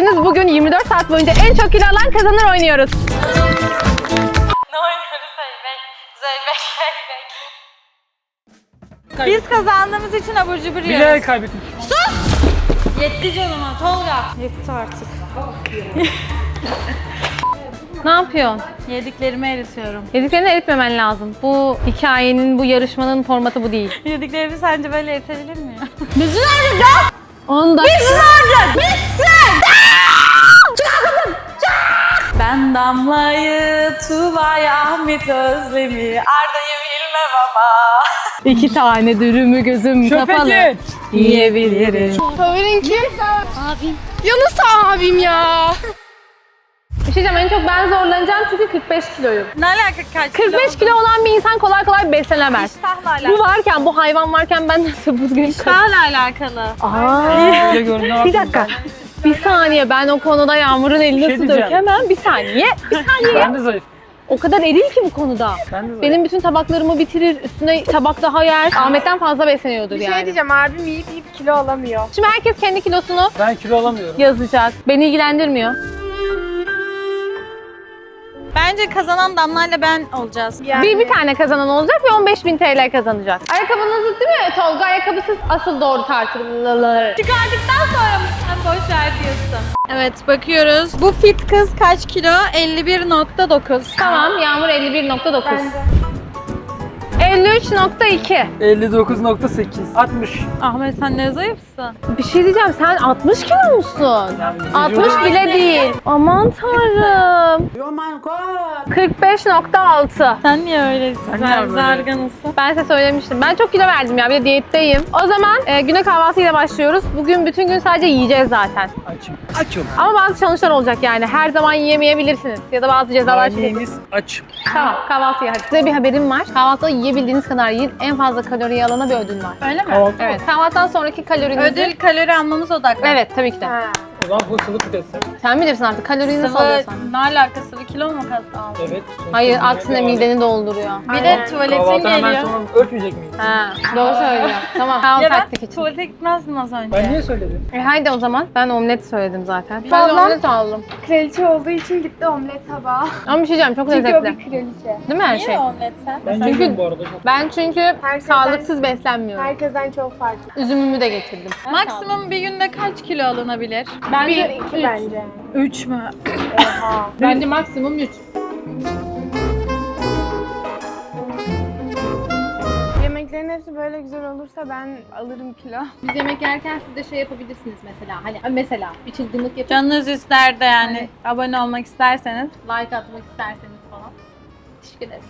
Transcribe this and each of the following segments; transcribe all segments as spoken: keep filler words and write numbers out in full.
izlediğiniz bugün yirmi dört saat boyunca en çok kilo alan kazanır oynuyoruz. Ne oynuyoruz Zeybek? Zeybek, Zeybek. Biz kazandığımız için abur cubur yiyoruz. Bilerek kaybetmiş. Sus! Yetti canıma Tolga. Yetti artık. Ne yapıyorsun? Yediklerimi eritiyorum. Yediklerini eritmemen lazım. Bu hikayenin, bu yarışmanın formatı bu değil. Yediklerimi sence böyle eritebilir mi ya? Bizi nerede lan? on dakika. Bitsin artık! Bitsin! Ben Damla'yı, Tuğba'yı, Ahmet Özlem'i, Arda'yı bilmem ama. İki tane dürümü gözüm kapalı. Şöpeci. Yiyebilirim. Favorin kim? Abim. Ya nasıl abim ya? Bir şey diyeceğim, en çok ben zorlanacağım çünkü kırk beş kiloyum. Ne alaka kaç kırk beş kilo olan bir insan kolay kolay beslenemez. İştahla alakalı. Bu varken, bu hayvan varken ben nasıl bugün... İştahla alakalı. Aa, Bir gördüm, ne bir yapayım dakika. Bir saniye, ben o konuda Yağmur'un elini Bir şey nasıl diyeceğim. dökemem? Bir saniye, bir saniye. Ben de zayıf. O kadar eril ki bu konuda. Ben de zayıf. Benim bütün tabaklarımı bitirir, üstüne tabak daha yer. Ahmet'ten fazla besleniyordur Bir yani. şey diyeceğim, abim yiyip yiyip kilo alamıyor. Şimdi herkes kendi kilosunu Ben kilo alamıyorum. yazacak. Beni ilgilendirmiyor. Bence kazanan Damla'yla ben olacağız. Yani Bir, bir tane kazanan olacak ve on beş bin T L kazanacak. Ayakkabınız değil mi Tolga? Ayakkabısız asıl doğru tartılır. Çıkardıktan sonra mı sen boş ver diyorsun? Evet bakıyoruz. Bu fit kız kaç kilo? elli bir nokta dokuz. Tamam, Yağmur elli bir nokta dokuz. elli üç nokta iki. elli dokuz nokta sekiz. altmış. Ahmet sen ne zayıfsın? Bir şey diyeceğim, sen altmış kilo musun? Yani altmış bile değil. Aman tanrım. kırk beş nokta altı. Sen niye öylesin? Sen Sen niye böyle? zarganısın. Ben size söylemiştim. Ben çok kilo verdim ya. Bir de diyetteyim. O zaman e, güne kahvaltıyla başlıyoruz. Bugün bütün gün sadece yiyeceğiz zaten. Açım. Açım. Ama bazı challenge'lar olacak yani. Her zaman yiyemeyebilirsiniz. Ya da bazı cezalar çıkacak. Anneniz aç. Tamam, kahvaltıya hadi. Size bir haberim var. Kahvaltıda yiyebildiğiniz kadar yiyin. En fazla kaloriyi alana bir ödül var. Öyle mi? Kahvaltı Evet. Kahvaltıdan sonraki kalorinizi... Ödül kalori almamız odaklı. Evet, tabii ki de. Ha. O zaman bu sıvı tüketsin. Sen bilirsin artık kaloriyi nasıl Sıvı, alıyorsan. ne alakası? Sıvı kilo mu kazandın? Evet. Hayır, aksine mideni dolduruyor. Bir de tuvaletin Kahvaltı hemen geliyor. sonra örtmeyecek miyiz? Ha, doğru söylüyor. Tamam, tamam Ya ben taktik için. tuvalete gitmezdim az önce. Ben niye söyledim? E haydi o zaman. Ben omlet söyledim zaten. Ben de Ablam- omlet aldım. Kraliçe olduğu için gitti omlet tabağı. Ama bir şey diyeceğim, çok Çünkü o lezzetli. bir kraliçe. Değil mi her Niye şey? omlet sen? Ben Çünkü- yedim bu arada çok. Ben çünkü Herkesten- sağlıksız beslenmiyorum. Herkesten çok farklı. Üzümümü de getirdim. Maksimum bir günde kaç kilo alınabilir? Bence Bir, iki bence. üç mü? Oha. Bence maksimum üç. Yemeklerin hepsi böyle güzel olursa ben alırım kilo. Biz yemek yerken siz de şey yapabilirsiniz mesela. Hani mesela bir çılgınlık yapıp Canınız ister de yani abone olmak isterseniz. like atmak isterseniz falan. Teşekkür ederiz.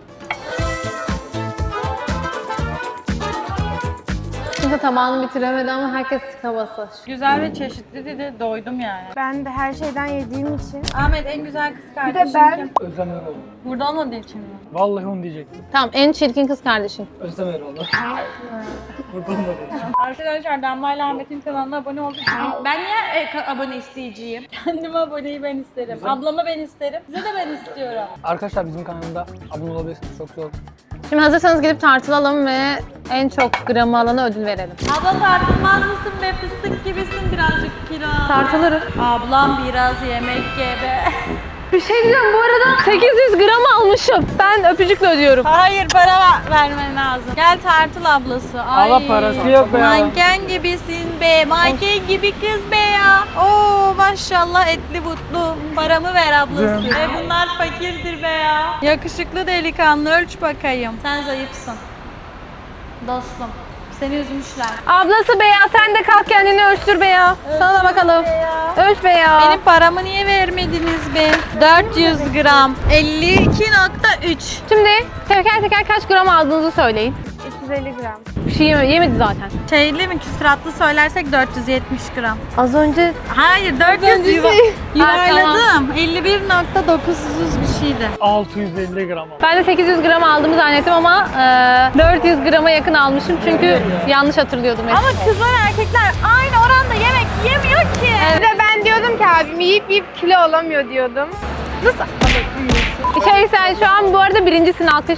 Kimse tabağını bitiremedi ama herkes tıka basa. Güzel ve çeşitli dedi, doydum yani. Ben de her şeyden yediğim için. Ahmet en güzel kız Bir kardeşim de ben kim? Özlem Erol. Burada olmadığı için mi? Vallahi onu diyecektim. Tamam, en çirkin kız kardeşin. Özlem Erol. Burada olmadı. Arkadaşlar Damla ile Ahmet'in kanalına abone olduk. Ben niye e, ka- abone isteyeceğim? Kendime aboneyi ben isterim. Güzel. Ablamı ben isterim. Size de ben istiyorum. Arkadaşlar bizim kanalımda abone olabilirsiniz. Çok zor. Şimdi hazırsanız gidip tartılalım ve en çok gramı alana ödül verelim. Abla tartılmaz mısın be? Fıstık gibisin birazcık kilo. Tartılırım. Ablam biraz yemek ye be. Bir şey diyeceğim, bu arada sekiz yüz gram almışım. Ben öpücükle ödüyorum. Hayır para ver- vermen lazım. Gel tartıl ablası. Ay. Allah parası yok be ya. Manken gibisin be. Manken gibi kız be ya. Oo maşallah etli butlu. Paramı ver ablası. Canım. E bunlar fakirdir be ya. Yakışıklı delikanlı ölç bakayım. Sen zayıfsın. Dostum. Seni üzmüşler. Ablası be ya, sen de kalk kendini ölçtür be ya. Sana da bakalım. Be ya. Ölç be ya. Benim paramı niye vermediniz be? dört yüz gram. elli iki nokta üç. Şimdi teker teker kaç gram aldığınızı söyleyin. üç yüz elli gram. Bir şey yeme- yemedi zaten. Şeyli mi küsuratlı söylersek dört yüz yetmiş gram. Az önce Hayır dört yüz önce yuva- şey- yuvarladım. elli bir nokta dokuz yüz bir şeydi. altı yüz elli gram ama. ben de sekiz yüz gram aldığımı zannettim ama e, dört yüz grama yakın almışım çünkü yanlış hatırlıyordum. Ama kızlar erkekler aynı oranda yemek yemiyor ki. Bir de ben diyordum ki abim yiyip yiyip kilo alamıyor diyordum. Nasıl alamıyorsun? Şey, sen şu an bu arada birincisin, alkış.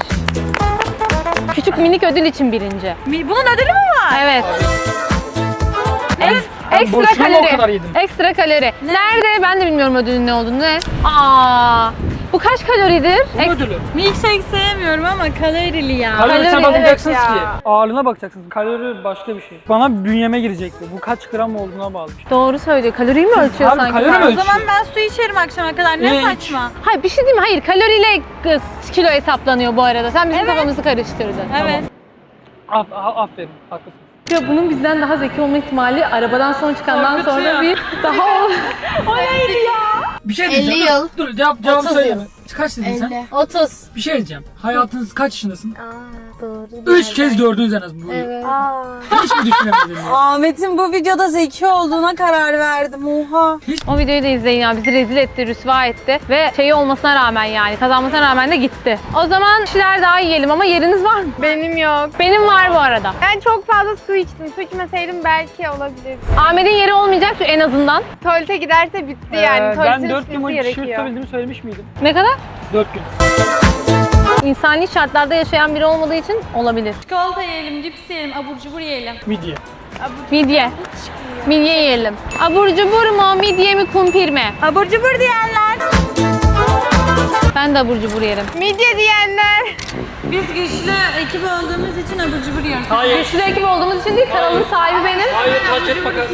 Küçük minik ödül için birinci. Mi- Bunun ödülü mü var? Evet. En, Ekstra boşuna mı o kadar kalori. yedim? Ekstra kalori. Nerede? Ben de bilmiyorum ödülün ne olduğunu. Ne? Aa, bu kaç kaloridir? Bu Eks- ödülü. Milkshake sevmiyorum ama kalorili ya. Kalorisine Kalori, bakmayacaksınız evet ki. ya. Ağırlığına bakacaksınız. Kalori başka bir şey. Bana bünyeme girecekti. Bu kaç gram olduğuna bağlı. Doğru söylüyor. Kaloriyi mi ölçüyor Abi, sanki? kalori mi O ölçüyor? zaman ben su içerim akşama kadar. Ne Ne iç? saçma. Hayır bir şey değil mi? Hayır kaloriyle e, kilo hesaplanıyor bu arada. Sen bizim Evet. kafamızı karıştırdın. Evet. Af, a- aferin. Haklısın. Ya bunun bizden daha zeki olma ihtimali arabadan son çıkandan Korkutuyor. sonra bir daha ol. O neydi ya? Bir şey elli diyeceğim. yıl. Dur, dur cevap, cevabı otuz söyleme. yıl. Kaç dedin sen? elli. otuz. Bir şey diyeceğim. Hayatınız kaç yaşındasın? Aa, doğru. Üç kez gördünüz en az bu. Evet. Hiç mi düşünemediniz? Ahmet'in bu videoda zeki olduğuna karar verdim. Oha. O videoyu da izleyin ya. Bizi rezil etti, rüsva etti. Ve şeyi olmasına rağmen yani kazanmasına rağmen de gitti. O zaman bir şeyler daha yiyelim ama yeriniz var mı? Benim yok. Benim var bu arada. Ben çok fazla su içtim. Su içmeseydim belki olabilir. Ahmet'in yeri olmayacak en azından. Tuvalete giderse bitti yani. Ee, Tuvaletin ben dört gün içmesi boyunca şişe gerekiyor. tutabildiğimi söylemiş miydim? Ne kadar? dört gün. İnsani şartlarda yaşayan biri olmadığı için olabilir. Çikolata yiyelim, cips yiyelim, abur cubur yiyelim. Midye. Midye. Midye yiyelim. Abur cubur mu, midye mi, kumpir mi? Abur cubur diyenler. Ben de abur cubur yerim. Midye diyenler. Biz güçlü ekip olduğumuz için abur cubur yiyoruz. Hayır. Güçlü ekip olduğumuz için değil, kanalın sahibi benim. Hayır, taç et bakalım.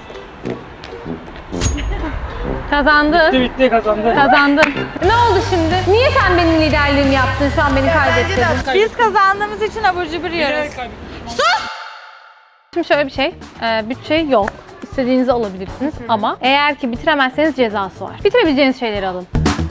Kazandı. Bitti bitti kazandı. Kazandın. Ne oldu şimdi? Niye sen benim liderliğimi yaptın? Şu an beni kaybettirdin. Biz kazandığımız için abur cubur yiyoruz. Şimdi şöyle bir şey. E, bütçe yok. İstediğinizi alabilirsiniz ama eğer ki bitiremezseniz cezası var. Bitirebileceğiniz şeyleri alın.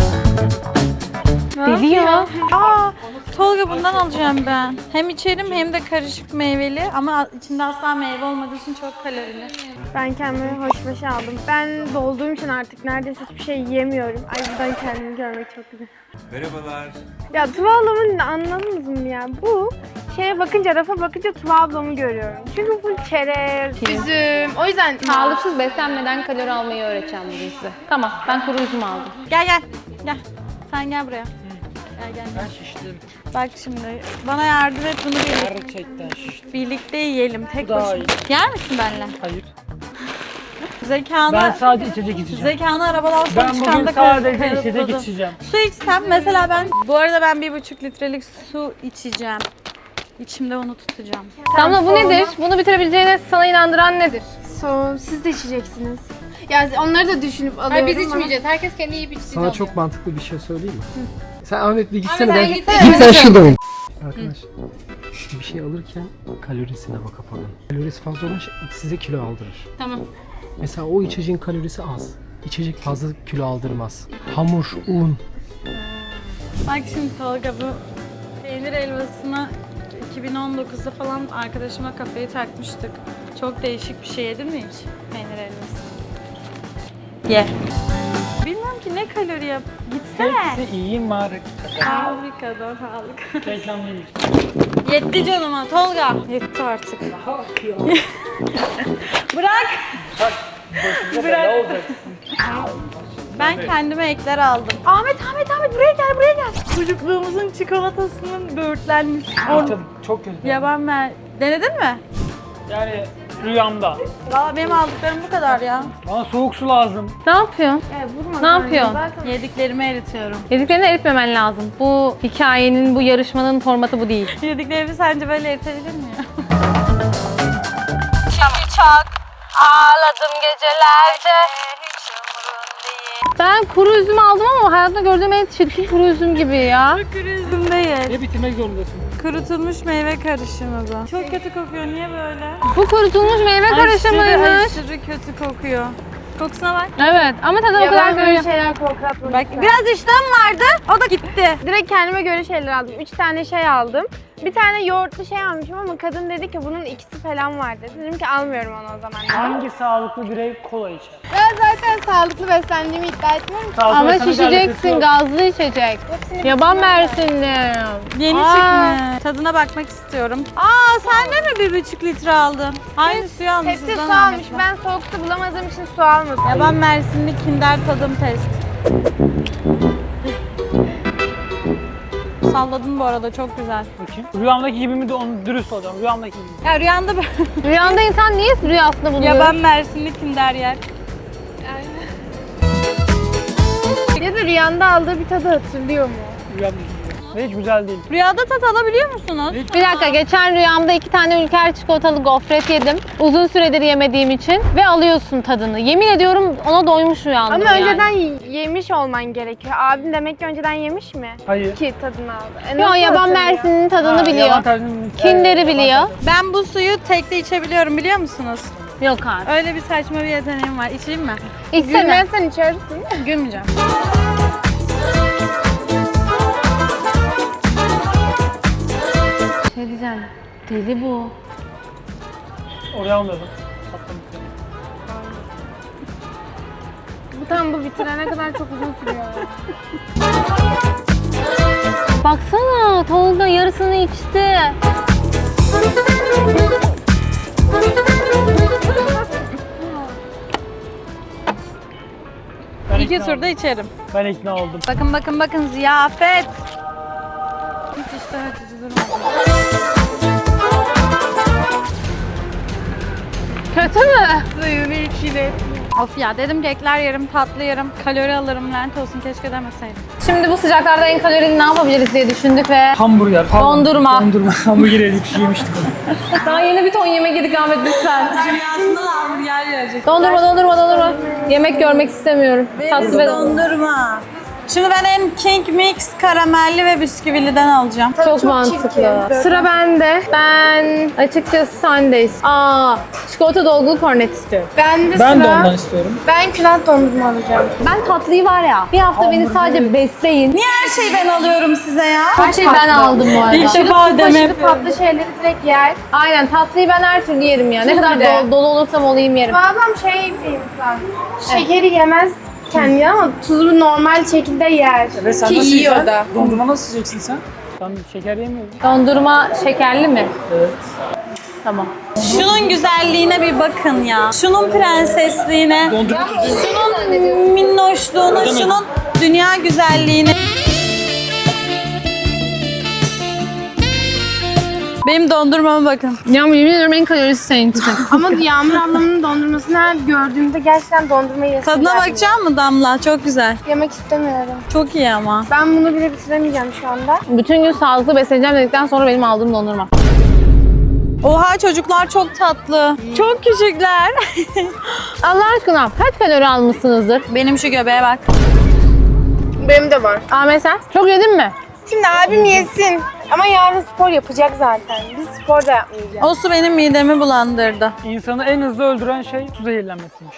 Deli ya. Aa, Tolga bundan alacağım ben. Hem içerim hem de karışık meyveli ama içinde asla meyve olmadığı için çok kalorili. Ben kendime hoşbaşı aldım. Ben dolduğum için artık neredeyse hiçbir şey yiyemiyorum. Ay buradan kendimi görmek çok güzel. Merhabalar. Ya Tuva ablamın anladınız mı ya? Bu şeye bakınca, rafa bakınca Tuva ablamı görüyorum. Çünkü bu çerez, üzüm. O yüzden Sağlıksız beslenmeden kalori almayı öğreteceğim bugün size. Tamam, ben kuru üzüm aldım. Gel gel. Gel. Sen gel buraya. Gel gel. Ben şiştim. Bak şimdi bana yardım et bunu birlikte, Gerçekten şiştim. birlikte yiyelim tek Bu daha başına. iyi. Yer misin benimle? Hayır. Zekanı, Ben sadece içecek içeceğim. zekanı arabadan son Ben bugün çıkanda sadece kanıtladım. içecek içeceğim. Su içsem mesela ben, bu arada ben bir buçuk litrelik su içeceğim. İçimde onu tutacağım. Damla bu nedir? Bunu bitirebileceğine sana inandıran nedir? So, siz de içeceksiniz. Ya onları da düşünüp alıyorum. Hayır biz içmeyeceğiz. Herkes kendi yiyip içtiğini Sana alıyor. çok mantıklı bir şey söyleyeyim mi? Sen Ahmet bir gitsene sen ben. gitsene. Git sen şurada oyun. Arkadaş bir şey alırken kalorisine bak kafanın. Kalorisi fazla olan şey size kilo aldırır. Tamam. Mesela o içeceğin kalorisi az. İçecek fazla kilo aldırmaz. Hamur, un. Bak şimdi Tolga bu peynir helvasını iki bin on dokuzda falan arkadaşıma kafayı takmıştık. Çok değişik bir şey yedin mi hiç peynir helvası? Ye. Bilmiyorum ki ne kalori yap. Gitsene. Hepsi iyi marka. Fabrikadan aldık. Reklam değil. Yetti canıma Tolga. Yetti artık. Bırak. Bırak. Ne olacak? Ben kendime ekler aldım. Ahmet, Ahmet, Ahmet buraya gel, buraya gel. Çocukluğumuzun çikolatasının böğürtlenmiş. Tadı çok kötü. Yaban mer. Denedin mi? Yani rüyamda. Valla benim aldıklarım bu kadar ya. Bana soğuk su lazım. Ne yapıyorsun? Evet, vurma Ne kanka. yapıyorsun? Zaten Yediklerimi eritiyorum. Yediklerini eritmemen lazım. Bu hikayenin, bu yarışmanın formatı bu değil. Yediklerimi sence böyle eritebilir mi ya? Şimdi çok ağladım gecelerde. Hiç umurun değil. Ben kuru üzüm aldım ama hayatımda gördüğüm en çirkin kuru üzüm gibi ya. Kuru üzüm değil. Ne bitirmek zorundasın? Kurutulmuş meyve karışımı bu. Çok kötü kokuyor. Niye böyle? Bu kurutulmuş meyve karışımıymış. aşırı kötü kokuyor. Kokusuna bak. Evet ama tadı o ya kadar ben böyle böyle. şeyler korkatmadım. Bak biraz iştahım vardı. O da gitti. Direkt kendime göre şeyler aldım. Üç tane şey aldım. Bir tane yoğurtlu şey almışım ama kadın dedi ki bunun ikisi falan var dedi. Dedim ki almıyorum onu o zaman. Hangi sağlıklı birey kola içer? Ben zaten sağlıklı beslendiğimi iddia etmiyorum. Sağlıklı Ama beslenmekle alakası şişeceksin, yok. gazlı içecek. Yaban mersinli. Yeni Aa. çıkmış. Tadına bakmak istiyorum. Aa sen de mi bir buçuk litre aldın? Aynı suyu almışız. Hepsi lan su almış. Ahmet'le. Ben soğuk su bulamadığım için su almadım. Yaban mersinli kinder tadım test. Salladın bu arada, çok güzel. Bakayım. Rüyamdaki gibi mi de onu dürüst olacağım. Rüyamdaki gibi. Ya rüyanda Rüyanda insan niye rüyasında buluyor? yaban Mersinli Kinder yer. Ya da rüyanda aldığı bir tadı hatırlıyor mu? Rüyamdaki gibi. Ve hiç güzel değil. Rüyada tat alabiliyor musunuz? Bir dakika, geçen rüyamda iki tane Ülker çikolatalı gofret yedim. Uzun süredir yemediğim için ve alıyorsun tadını. Yemin ediyorum ona doymuş uyandım Ama yani. önceden y- yemiş olman gerekiyor. Abim demek ki önceden yemiş mi? Hayır. Ki tadını aldı. E Yo, nasıl yaban hatırlıyor? Mersin'in tadını Ha, biliyor. yaban tarzının- Kinder'i Evet, biliyor. yaban tarzı. Ben bu suyu tekte içebiliyorum, biliyor musunuz? Yok artık. Öyle bir saçma bir yeteneğim var. İçeyim mi? İçsene. Gülmezsen içersin. Gülmeyeceğim. Şey diyeceğim. Deli bu. Oraya almadım. Sattım. Bu tam bu bitirene kadar çok uzun sürüyor. Baksana, Tolga yarısını içti. Ben İki ikna turda oldum. içerim. Ben ikna oldum. Bakın bakın bakın, ziyafet. Hiç iştah açıcı durmadı. Kötü mü? Suyunu içine. Of ya, dedim ki ekler yerim, tatlı yerim, kalori alırım, lanet olsun, keşke demeseydim. Şimdi bu sıcaklarda en kalorili ne yapabiliriz diye düşündük ve Hamburger. pardon. Dondurma. Dondurma. Hamburger yedik, yemiştik onu. daha yeni bir ton yemek yedik Ahmet, lütfen. Rüyasında da hamburger yiyecek. Dondurma, dondurma, dondurma. Yemek görmek istemiyorum. Tatlı ve Dondurma. Şimdi ben en King Mix karamelli ve bisküviliden alacağım. çok mantıklı. Sıra bende. Ben açıkçası Sundays. Aa, çikolata dolgulu kornet istiyorum. Ben de Ben de sıra. ondan istiyorum. Ben külah dondurma alacağım. Ben tatlıyı var ya, bir hafta beni sadece besleyin. Niye her şeyi ben alıyorum size ya? Her şeyi ben aldım bu arada. İlk defa ödeme Başka yapıyorum. tatlı şeyleri direkt yer. Aynen, tatlıyı ben her türlü yerim ya. Ne kadar de. dolu, dolu olursam olayım yerim. Bu adam şey bir insan. Şekeri yemez kendi ama tuzu normal şekilde yer. Ve sen Ki nasıl yiyor yiyeceksin? da. Dondurma nasıl yiyeceksin sen? Ben şeker yemiyorum. Dondurma şekerli mi? Evet. Tamam. Şunun güzelliğine bir bakın ya. Şunun prensesliğine, Dondurma. şunun minnoşluğuna, şunun dünya güzelliğine. Benim dondurmama bakın. Ya yemin ediyorum en kalorisi senin için. Ama Yağmur ablamın dondurmasını her gördüğümde gerçekten dondurma yesim Tadına geldi. bakacak mı Damla? Çok güzel. Yemek istemiyorum. Çok iyi ama. Ben bunu bile bitiremeyeceğim şu anda. Bütün gün sağlıklı besleneceğim dedikten sonra benim aldığım dondurma. Oha, çocuklar çok tatlı. Çok küçükler. Allah aşkına kaç kalori almışsınızdır? Benim şu göbeğe bak. Benim de var. Ahmet sen? Çok yedin mi? Şimdi abim yesin. Ama yarın spor yapacak zaten. Biz spor da yapmayacağız. O su benim midemi bulandırdı. İnsanı en hızlı öldüren şey su zehirlenmesiymiş.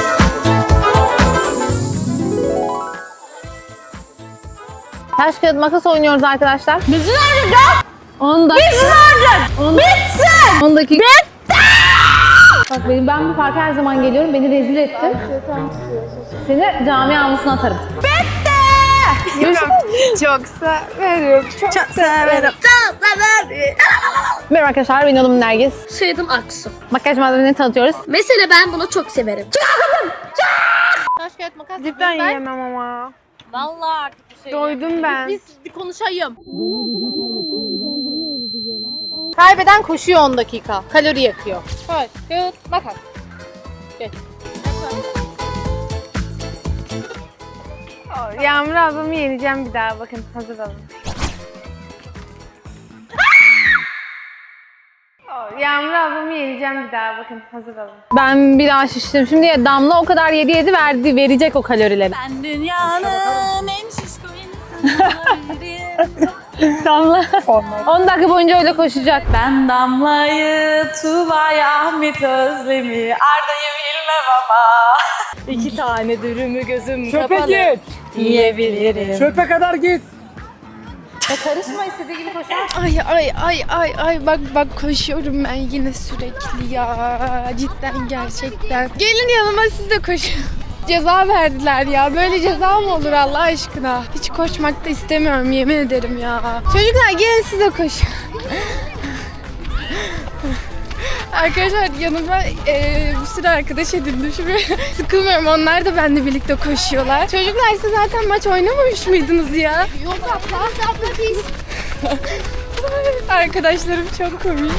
Taş kağıt makas oynuyoruz arkadaşlar. Bizi nerede? on dakika. Bizi nerede? Bitsin! on dakika. Bitti! Bak benim, ben bu parka her zaman geliyorum. Beni rezil ettin. Seni cami avlusuna atarım. Çok severim. Çok, Çok severim. Merhaba arkadaşlar, benim adım Nergis. Soyadım Aksu. Makyaj malzemelerini tanıtıyoruz. Mesela ben bunu çok severim. Taş kağıt makas. Cidden yiyemem ama. Vallahi artık bir şey. Doydum ben. Biz bir konuşayım. Kaybeden koşuyor on dakika. Kalori yakıyor. Taş kağıt makas. Geç. Yağmur ablamı yeneceğim bir daha. Bakın hazır olun. Yağmur ablamı yeneceğim bir daha. Bakın hazır olun. Ben bir daha şiştim. Şimdi Damla o kadar yedi yedi verdi, verecek o kalorileri. Ben dünyanın en şişko insanıyım. Damla on dakika boyunca öyle koşacak. Ben Damla'yı, Tuğba'yı, Ahmet Özlem'i, Arda'yı bilmem ama İki tane dürümü gözüm Çöpe kapalı git. diyebilirim. Çöpe kadar git. Ya karışma, istediği gibi koşar. Ay ay ay ay ay bak bak koşuyorum ben yine sürekli ya. Cidden gerçekten. Gelin yanıma siz de koşun. Ceza verdiler ya. Böyle ceza mı olur Allah aşkına? Hiç koşmak da istemiyorum yemin ederim ya. Çocuklar gelin siz de koşun. Arkadaşlar yanıma e, bir sürü arkadaş edindim şimdi. Sıkılmıyorum. Onlar da benimle birlikte koşuyorlar. Çocuklar siz zaten maç oynamamış mıydınız ya? Yok abla, abla biz. Arkadaşlarım çok komik.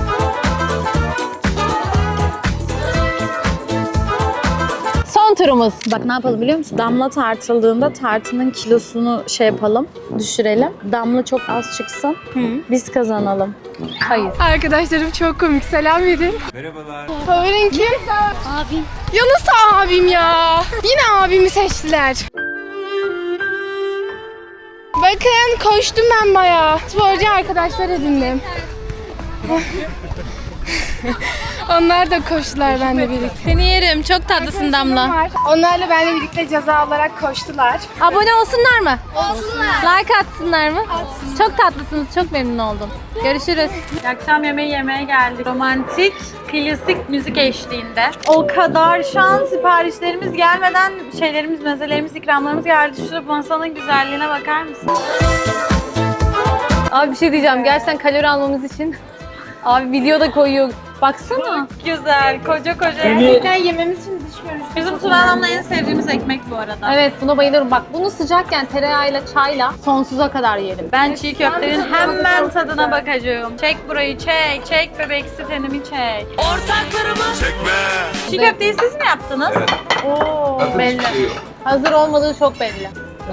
Son turumuz. Bak ne yapalım biliyor musun? Damla tartıldığında tartının kilosunu şey yapalım, düşürelim. Damla çok az çıksın. Biz kazanalım. Hayır. Arkadaşlarım çok komik. Selam verin. Merhabalar. Favorin kim? Abim. Ya nasıl abim ya? Yine abimi seçtiler. Bakın koştum ben bayağı. Sporcu arkadaşlar edindim. Onlar da koştular benimle birlikte. Seni yerim. Çok tatlısın Damla. Var. Onlarla benimle birlikte ceza olarak koştular. Abone olsunlar mı? Olsunlar. Like atsınlar mı? Çok tatlısınız. Çok memnun oldum. Görüşürüz. Akşam yemeği yemeye geldik. Romantik, klasik müzik eşliğinde. O kadar şu an siparişlerimiz gelmeden şeylerimiz, mezelerimiz, ikramlarımız geldi. Şurada masanın güzelliğine bakar mısın? Abi bir şey diyeceğim. Gerçekten kalori almamız için abi video da koyuyor. Baksana. Güzel, koca koca. Gerçekten yememiz için düşmüyoruz. Bizim Turan Hanım'la en sevdiğimiz ekmek bu arada. Evet buna bayılıyorum. Bak bunu sıcakken tereyağıyla çayla sonsuza kadar yerim. Ben çiğ köftenin hemen tadına bakacağım. Çek burayı, çek. Çek bebeksi tenimi çek. Çekme. Çiğ köfteyi siz mi yaptınız? Oo, belli. Hazır olmadığı çok belli.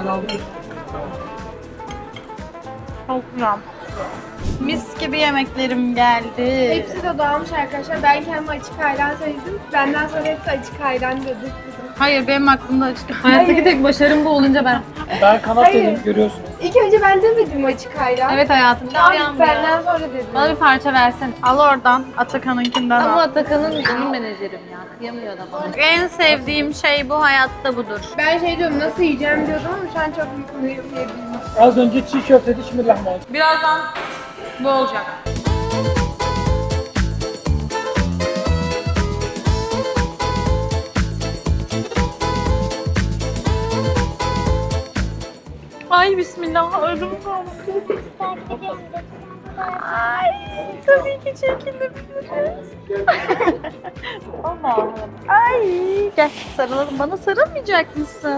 Çok güzel. Mis gibi yemeklerim geldi. Hepsi de dağılmış arkadaşlar. Ben kendime açık ayran söyledim. Benden sonra hepsi açık ayran dedi. Hayır, benim aklımda açık. Hayattaki tek başarım bu olunca ben. Ben kanat Hayır. dedim görüyorsun. İlk önce ben demedim açık ayran. Evet hayatım. Abi benden sonra dedim. Bana bir parça versen. Al oradan, Atakan'ınkinden Ama al. Atakan'ın benim menajerim ya. Kıyamıyor da bana. En sevdiğim şey bu hayatta budur. Ben şey diyorum nasıl yiyeceğim diyordum ama şu an çok mutluyum yiyebildim. Az önce çiğ köfteydi, şimdi lahmacun. Birazdan bu olacak. Ay bismillah, öldüm kaldı. Ay tabii ki çekilebiliriz. Allah'ım. Ay gel sarılalım. Bana sarılmayacak mısın?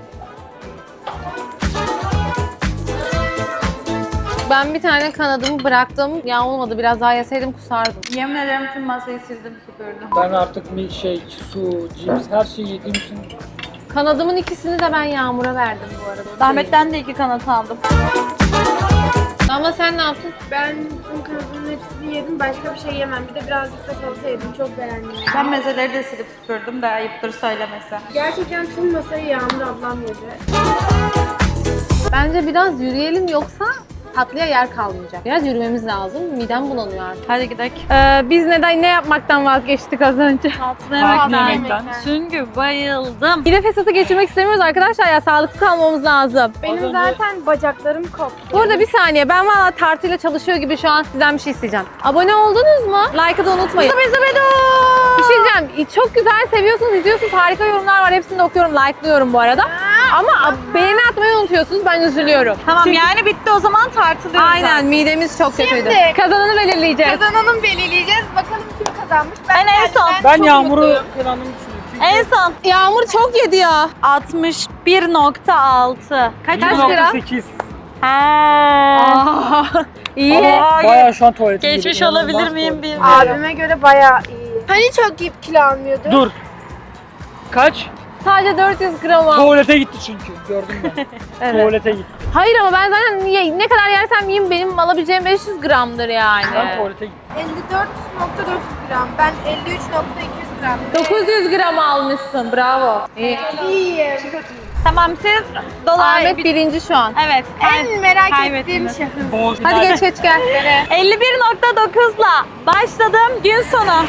Ben bir tane kanadımı bıraktım. Ya olmadı. Biraz daha yeseydim kusardım. Yemin ederim tüm masayı sildim süpürdüm. Ben artık milkshake, su, cips her şeyi yediğim için Kanadımın ikisini de ben Yağmur'a verdim bu arada. Ahmet'ten de iki kanat aldım. Ama sen ne yaptın? Ben tüm kanadının hepsini yedim. Başka bir şey yemem. Bir de birazcık da salata yedim. Çok beğendim. Ben mezeleri de silip süpürdüm de ayıptır söylemesi. Gerçekten tüm masayı Yağmur ablam yedi. Bence biraz yürüyelim yoksa tatlıya yer kalmayacak. Biraz yürümemiz lazım. Midem bulanıyor artık. Hadi gidelim. Ee, biz neden ne yapmaktan vazgeçtik az önce? Tatlı tatlı yemekten. yemekten. Çünkü bayıldım. Yine fesatı geçirmek istemiyoruz arkadaşlar ya. Sağlıklı kalmamız lazım. Benim önce- zaten bacaklarım koptu. Burada bir saniye. Ben valla tartıyla çalışıyor gibi şu an sizden bir şey isteyeceğim. Abone oldunuz mu? Like'ı da unutmayın. Bir şey diyeceğim. Çok güzel seviyorsunuz, izliyorsunuz. Harika yorumlar var. Hepsini de okuyorum, like'lıyorum bu arada. Ama ab- beğeni atmayı unutuyorsunuz. Ben üzülüyorum. Tamam yani bitti o zaman tartılıyoruz. Aynen midemiz çok kötüydü. Şimdi- Kazananı belirleyeceğiz. Kazananı belirleyeceğiz. Bakalım kim kazanmış. Ben en son. ben çok Yağmur'u mutluyum. kazandığımı düşünüyorum. Çünkü En son. Yağmur çok yedi ya. altmış bir nokta altı. Kaç Kaç lira? lira? sekiz. Ha. Aa, iyi. Ama bayağı şu an tuvaletim gibi. Geçmiş İnanılmaz olabilir miyim tuvalet. bilmiyorum. Abime göre bayağı iyi. Hani çok yiyip kilo almıyordu? Dur. Kaç? Sadece dört yüz gram al. Tuvalete gitti çünkü. Gördüm ben. Evet. Tuvalete gitti. Hayır ama ben zaten ye- ne kadar yersem yiyeyim benim alabileceğim beş yüz gramdır yani. Ben tuvalete gittim. elli dört nokta dört yüz gram. Ben elli üç nokta iki yüz gram. dokuz yüz gram almışsın. Bravo. İyi. İyiyim. Tamam siz dolayı. Ahmet birinci şu an. Evet. En merak ettiğim Kaybettiniz. şahıs. Boğaz Hadi geç geç gel. elli bir nokta dokuzla başladım gün sonu.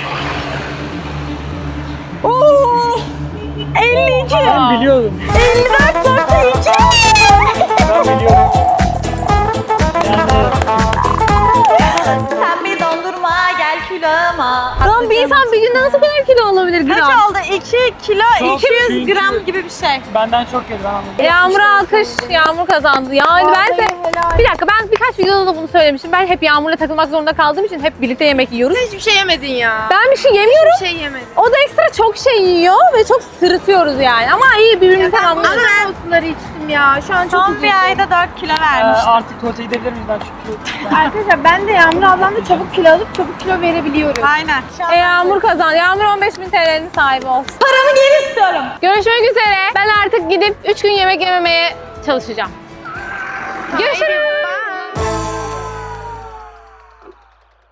Oo! elli iki. Ben biliyordum. elli dört nokta iki. Ben biliyorum. Yani Sen bir dondurma gel kiloma. Lan bir insan bir günde nasıl kadar kilo olabilir Kaç gram? oldu? iki kilo Çok iki yüz çünkü- gram gibi bir şey. Benden çok yedi ben anladım. Yağmur alkış, Yağmur kazandı. Yani ben de... Bir dakika ben birkaç videoda da bunu söylemiştim. Ben hep Yağmur'la takılmak zorunda kaldığım için hep birlikte yemek yiyoruz. Hiçbir şey yemedin ya. Ben bir şey yemiyorum. Bir şey yemedin. O da ekstra çok şey yiyor ve çok sırıtıyoruz yani. Ama iyi birbirimizi tamamlıyoruz. Ama ben o suları içtim ya. Şu an çok Son üzüldüm. bir ayda dört kilo Ee, vermiştim. artık tuvalete gidebilir miyiz ben çünkü? Arkadaşlar ben de Yağmur ablamla çabuk kilo alıp çabuk kilo verebiliyorum. Aynen. E, Yağmur kazandı. Yağmur on beş bin T L'nin sahibi olsun. Paramı geri istiyorum. Görüşmek üzere. Ben artık gidip üç gün yemek yememeye çalışacağım. Görüşürüz.